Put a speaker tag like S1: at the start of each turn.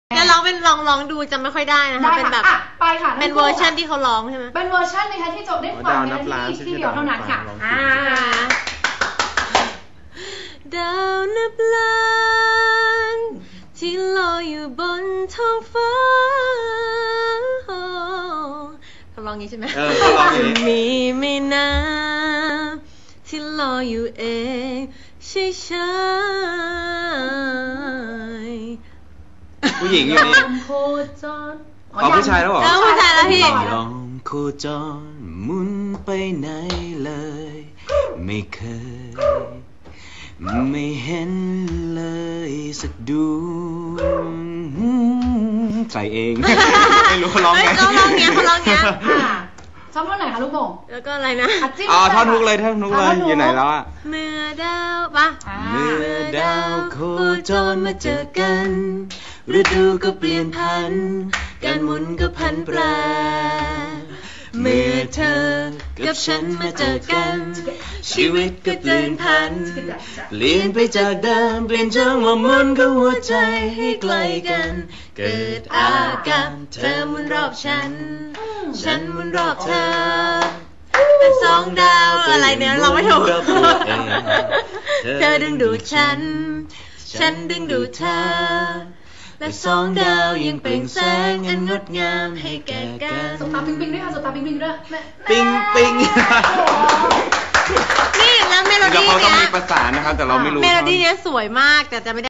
S1: งั้นร้องเป็นลองดูจำไม่ค่อยได้นะคะเป็นแบบ
S2: ไปค่ะ
S1: เป็นเวอร์ชันที่เขาร้องใช่ไหม
S2: เป็นเวอร์ชันนะคะที่จบได้ฟังในที่เดียวเท่านั้นค่ะ
S1: ดาวนับล้านที่ลอยอยู่บนท้องฟ้าเขาร้องงี้ใช่ไหม
S3: เขาร้องอย่างนี้
S1: มีไม่นานที่ลอยอยู่เองใช่ใช่
S3: ผู้หญิงอยู่นี่ผู้ชายแล้วเหรอ
S1: ผู้ชายแล้วพี่
S4: ยอมโคจรหมุนไปไหนเลยไม่เคยไม่เห็นเลยสักดวงใส่เองไม่รู้เขาร้องไง
S1: เขาร้องเงี้ย
S2: ชอบท่อนไหนคะลูกโป่ง
S1: แล้วก็อะไรนะ
S3: ท่อนฮุกเลยอยู่ไหนแล้วอ่ะ
S1: เมื่อดาวปะ
S4: เมื่อดาวโคจรมาเจอกันฤดูก็เปลี่ยนพันการหมุนก็พันแปรเมื่อเธอกับฉันมาเจอกันชีวิตก็เปลี่ยนพันเปลี่ยนไปจากเดิมเปลี่ยนจังหวะหมุนกับหัวใจให้ใกล้กันเกิดอาการเธอหมุนรอบฉันฉันหมุนรอบเธอ
S1: เป็นสองดาวอะไรเนี่ยเราไม่ถูกเธอดึงดูดฉันดึงดูดเธอและสองดาวยังเปล่งแสงอันงดงามให้แก่กัน
S2: สบตาปิ๊งปิ๊งด้วยค่ะสบตาปิ๊งปิ๊งด้วย
S3: ปิ๊งปิ๊ง
S1: นี่แล้วเมโลดี้
S3: เดี๋ยวเขาต้องมีประสานนะครับแต่เราไม่รู้
S1: เมโลดี้เนี้ยสวยมากแต่จะไม่ได้